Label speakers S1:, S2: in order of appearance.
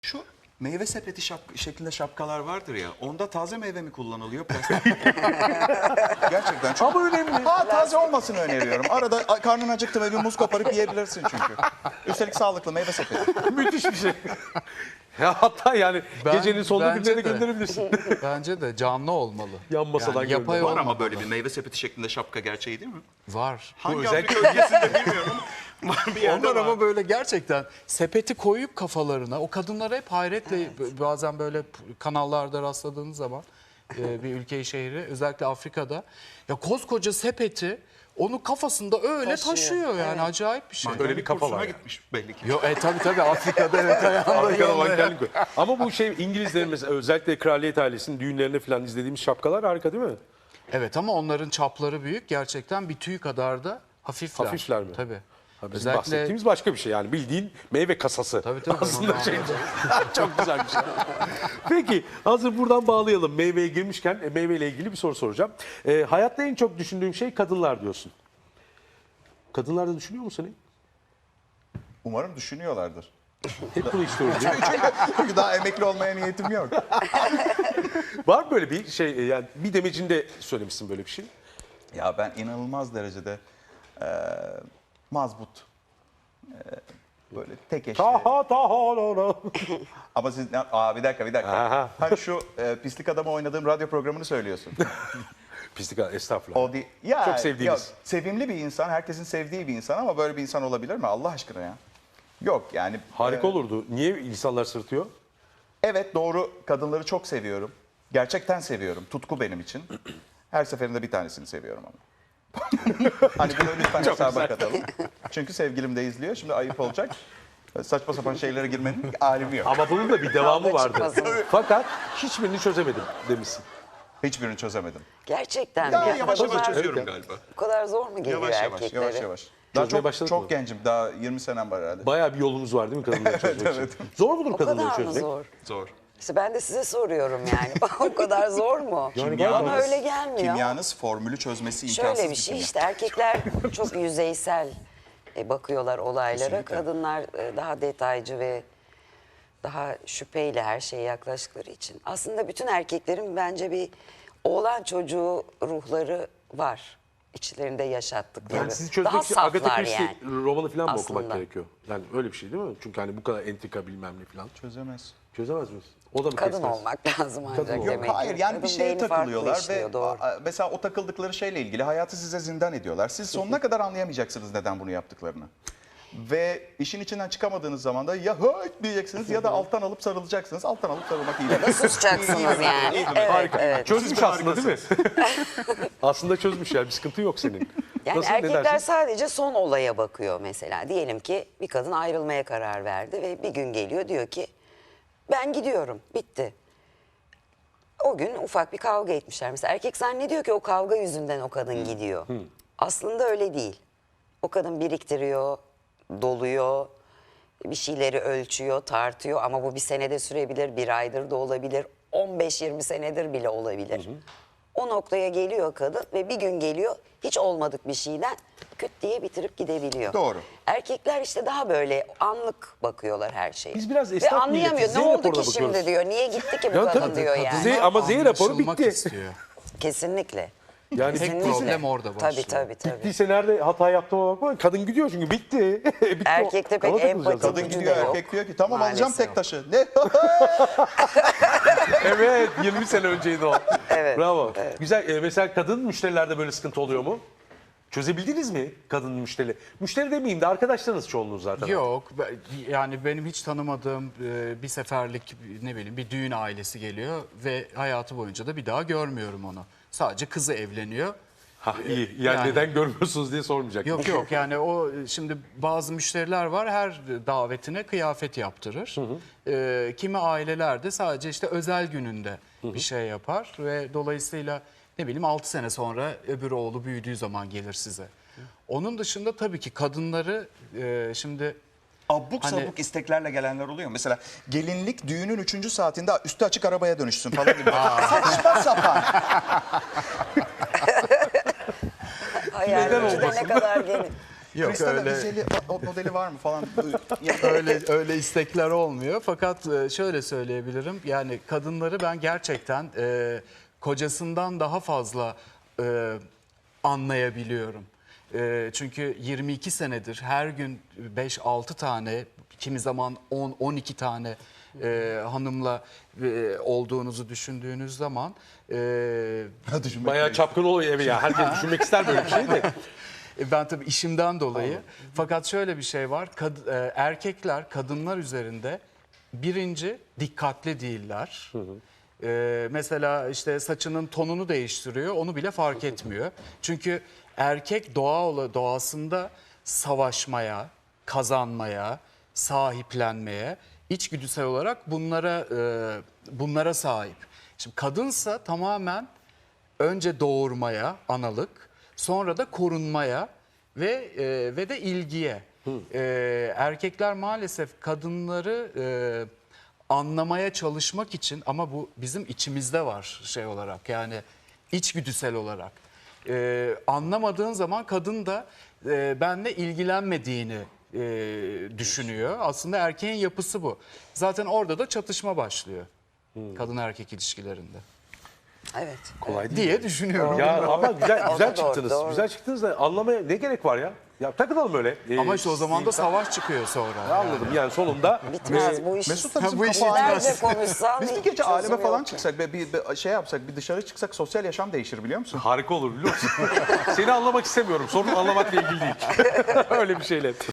S1: Şu meyve sepeti şeklinde şapkalar vardır ya. Onda taze meyve mi kullanılıyor? Plastik. Gerçekten çok.
S2: Ama önemli.
S1: Ha, taze olmasını öneriyorum. Arada karnın acıktı ve bir muz koparıp yiyebilirsin çünkü. Üstelik sağlıklı meyve sepeti.
S2: Müthiş bir şey. Ya hatta yani gecenin sonunda
S3: bence
S2: birilerine
S3: de.
S2: gönderebilirsin.
S3: Bence de canlı olmalı.
S2: Yan masadan
S3: yani yapay
S2: görünüyor.
S1: Var
S3: olmalı.
S1: ama böyle bir meyve sepeti şeklinde şapka gerçeği değil mi?
S3: Var.
S1: Hangi
S2: özel-
S1: Afrika ülkesinde bilmiyorum. Var bir yerde
S3: Onlar
S1: var.
S3: ama böyle gerçekten sepeti koyup kafalarına, o kadınlar hep hayretle bazen böyle kanallarda rastladığınız zaman bir ülkeyi şehri özellikle Afrika'da ya koskoca sepeti onu kafasında öyle taşıyor yani acayip bir şey.
S2: Öyle bir kafa
S1: Kursuna
S2: var. Yani.
S1: gitmiş belli ki.
S3: Yo tabii Afrika'da evet ayağında
S2: Afrika'da
S3: yolda ya.
S2: mankenlik koy. Ama bu şey İngilizlerin mesela özellikle kraliyet ailesinin düğünlerinde falan izlediğimiz şapkalar harika değil mi?
S3: Evet ama onların çapları büyük gerçekten bir tüy kadar da hafifler.
S2: Hafifler mi?
S3: Tabii.
S2: Ha, bizim bahsettiğimiz başka bir şey yani bildiğin meyve kasası.
S3: Tabii.
S2: Aslında şey çok güzel bir şey. Peki hazır buradan bağlayalım. Meyveye girmişken meyveyle ilgili bir soru soracağım. Hayatta en çok düşündüğüm şey kadınlar diyorsun. Kadınlar da düşünüyor musun seni?
S1: Umarım düşünüyorlardır.
S2: Hep bunu istiyoruz değil mi?
S1: Çünkü daha emekli olmaya niyetim yok.
S2: Var mı böyle bir şey yani bir demecinde söylemişsin böyle bir şey.
S1: Ya ben inanılmaz derecede mazbut, böyle tek eşli.
S2: Taha.
S1: Ama siz, bir dakika.
S2: Aha.
S1: Hani şu pislik adamı oynadığım radyo programını söylüyorsun.
S2: Pislik estağfurullah.
S1: O değil. Ya,
S2: Çok sevdiğiniz.
S1: ya, sevimli bir insan, herkesin sevdiği bir insan ama böyle bir insan olabilir mi Allah aşkına ya? Yok yani.
S2: Harika olurdu. Niye insanlar sırıtıyor?
S1: Evet doğru, kadınları çok seviyorum. Gerçekten seviyorum. Tutku benim için. Her seferinde bir tanesini seviyorum ama. Hani bunu lütfen hesaba katalım. Çünkü sevgilim de izliyor. Şimdi ayıp olacak. Saçma sapan şeylere girmenin alemi yok.
S2: Ama bunun da bir devamı
S4: Kavga
S2: vardı.
S4: çıkmasın.
S2: Fakat hiçbirini çözemedim demişsin.
S1: Hiçbirini çözemedim.
S4: Gerçekten
S1: Ya
S4: mi?
S1: yavaş
S4: Bu
S1: yavaş
S4: kadar-
S1: çözüyorum galiba.
S4: Bu kadar zor mu geliyor erkeklere?
S1: Yavaş. Daha
S2: Çözmeye başladık
S1: çok
S2: mı?
S1: gencim. Daha 20 senem var herhalde.
S2: Bayağı bir yolumuz var değil mi kadınları çözmek için? Zor mudur
S4: O
S2: kadınları
S4: kadar mı
S2: çözmek?
S4: zor?
S1: Zor.
S4: İşte ben de size soruyorum yani. O kadar zor mu? Bana öyle gelmiyor.
S1: Kimyanız formülü çözmesi imkansız
S4: Şöyle bir şey
S1: kimya.
S4: işte erkekler çok yüzeysel bakıyorlar olaylara.
S1: Kesinlikle.
S4: Kadınlar daha detaycı ve daha şüpheyle her şeye yaklaştıkları için. Aslında bütün erkeklerin bence bir oğlan çocuğu ruhları var. İçlerinde yaşattıkları.
S2: Yani sizi çözmek
S4: daha
S2: için Agatha
S4: saflar
S2: Christie
S4: yani.
S2: romanı falan mı
S4: Aslında.
S2: okumak gerekiyor? Yani öyle bir şey değil mi? Çünkü hani bu kadar entrika bilmem ne falan.
S1: Çözemez.
S2: Çözemez miyiz? O da mı
S4: Kadın
S2: kesmez?
S4: olmak lazım ancak
S2: olmak.
S4: demek
S1: Yok
S4: ki.
S1: hayır yani bir
S4: Kadın
S1: şeye
S4: beyni farklı
S1: takılıyorlar
S4: işliyor,
S1: ve
S4: doğru.
S1: mesela o takıldıkları şeyle ilgili hayatı size zindan ediyorlar. Siz sonuna kadar anlayamayacaksınız neden bunu yaptıklarını. Ve işin içinden çıkamadığınız zaman da ya höt diyeceksiniz ya da alttan alıp sarılacaksınız. Alttan alıp sarılmak iyi.
S4: Ya da susacaksınız yani. Evet, evet.
S2: Çözmüş aslında değil mi? Aslında çözmüş yani bir sıkıntı yok senin.
S4: Yani
S2: Nasıl, ne
S4: erkekler
S2: dersin?
S4: sadece son olaya bakıyor mesela. Diyelim ki bir kadın ayrılmaya karar verdi ve bir gün geliyor diyor ki ben gidiyorum, bitti. O gün ufak bir kavga etmişler. Mesela erkek zannediyor ki o kavga yüzünden o kadın gidiyor. Aslında öyle değil. O kadın biriktiriyor, doluyor, bir şeyleri ölçüyor, tartıyor ama bu bir senede sürebilir, bir aydır da olabilir, 15-20 senedir bile olabilir. O noktaya geliyor kadın ve bir gün geliyor hiç olmadık bir şeyden küt diye bitirip gidebiliyor.
S1: Doğru.
S4: Erkekler işte daha böyle anlık bakıyorlar her şeye.
S2: Biz biraz
S4: ve
S2: esnaf
S4: anlayamıyor.
S2: milletiz,
S4: Ne
S2: Z
S4: oldu
S2: raporuna
S4: ki şimdi
S2: bakıyoruz.
S4: diyor. Niye gitti ki bu
S2: Ya
S4: kadın
S2: tabii,
S4: diyor yani.
S2: Z ama Z raporu
S3: Anlaşılmak
S2: bitti.
S3: istiyor.
S4: Kesinlikle.
S2: Yani
S3: Tek
S4: Kesinlikle.
S3: problem orada başlıyor.
S4: Tabii.
S2: bittiyse nerede hata yaptığıma bakma. Kadın gidiyor çünkü bitti. Bitti o.
S4: Erkekte pek
S2: Ona takılacağız
S4: empati
S2: zaten.
S1: Kadın
S4: gücü
S1: gidiyor
S4: de yok.
S1: erkek diyor ki tamam alacağım
S4: Maalesef.
S1: tek taşı. Ne?
S2: Evet 20 sene önceydi o.
S4: Evet,
S2: Bravo. Güzel. Mesela kadın müşterilerde böyle sıkıntı oluyor mu? Çözebildiniz mi kadın müşteri? Müşteri demeyeyim de arkadaşlarınız çoğunluğunuz zaten.
S3: Yok yani benim hiç tanımadığım bir seferlik ne bileyim bir düğün ailesi geliyor ve hayatı boyunca da bir daha görmüyorum onu. Sadece kızı evleniyor.
S2: Ha iyi. Yani neden görmüyorsunuz diye sormayacak.
S3: Yok yani o şimdi bazı müşteriler var her davetine kıyafet yaptırır. Kimi aileler de sadece işte özel gününde bir şey yapar ve dolayısıyla ne bileyim 6 sene sonra öbür oğlu büyüdüğü zaman gelir size. Onun dışında tabii ki kadınları şimdi
S1: Abuk
S3: Hani-
S1: sabuk isteklerle gelenler oluyor. Mesela gelinlik düğünün 3. saatinde üstü açık arabaya dönüşsün falan gibi. Saçma sapan.
S4: Hayal gücü de ne kadar geniş.
S3: Yok,
S1: Kristal'e
S3: öyle-
S1: vizeli modeli var mı falan.
S3: öyle istekler olmuyor. Fakat şöyle söyleyebilirim. Yani kadınları ben gerçekten kocasından daha fazla anlayabiliyorum. Çünkü 22 senedir her gün 5-6 tane, kimi zaman 10-12 tane hanımla olduğunuzu düşündüğünüz zaman
S2: Bayağı çapkın oluyor evi ya. Herkes düşünmek ister böyle bir şey de.
S3: ben tabii işimden dolayı. Fakat şöyle bir şey var. Erkekler kadınlar üzerinde birinci dikkatli değiller. Mesela işte saçının tonunu değiştiriyor. Onu bile fark etmiyor. Çünkü erkek doğasında savaşmaya, kazanmaya, sahiplenmeye, içgüdüsel olarak bunlara sahip. Şimdi kadınsa tamamen önce doğurmaya, analık, sonra da korunmaya ve de ilgiye. Erkekler maalesef kadınları anlamaya çalışmak için, ama bu bizim içimizde var şey olarak, yani içgüdüsel olarak. Anlamadığın zaman kadın da benle ilgilenmediğini düşünüyor. Aslında erkeğin yapısı bu. Zaten orada da çatışma başlıyor kadın erkek ilişkilerinde
S4: Evet.
S2: Kolay değil.
S3: diye düşünüyorum.
S2: Ya ama güzel
S4: O da doğru,
S2: çıktınız.
S4: doğru.
S2: Güzel çıktınız da anlamaya ne gerek var ya? Ya takılalım öyle.
S3: Ama işte o zaman da savaş çıkıyor sonra.
S2: Anladım yani sonunda.
S4: Bitmez bu iş.
S1: Mesut da bizim
S3: Bu işi
S1: kafa
S4: Nerede konuşsam
S1: Biz bir
S4: hiç
S1: gece
S4: çözüm
S1: aleme falan
S4: yok.
S1: çıksak, bir şey yapsak, bir dışarı çıksak sosyal yaşam değişir biliyor musun?
S2: Harika olur biliyor musun? Seni anlamak istemiyorum. Sorun anlamakla ilgili değil. Öyle bir şeyle.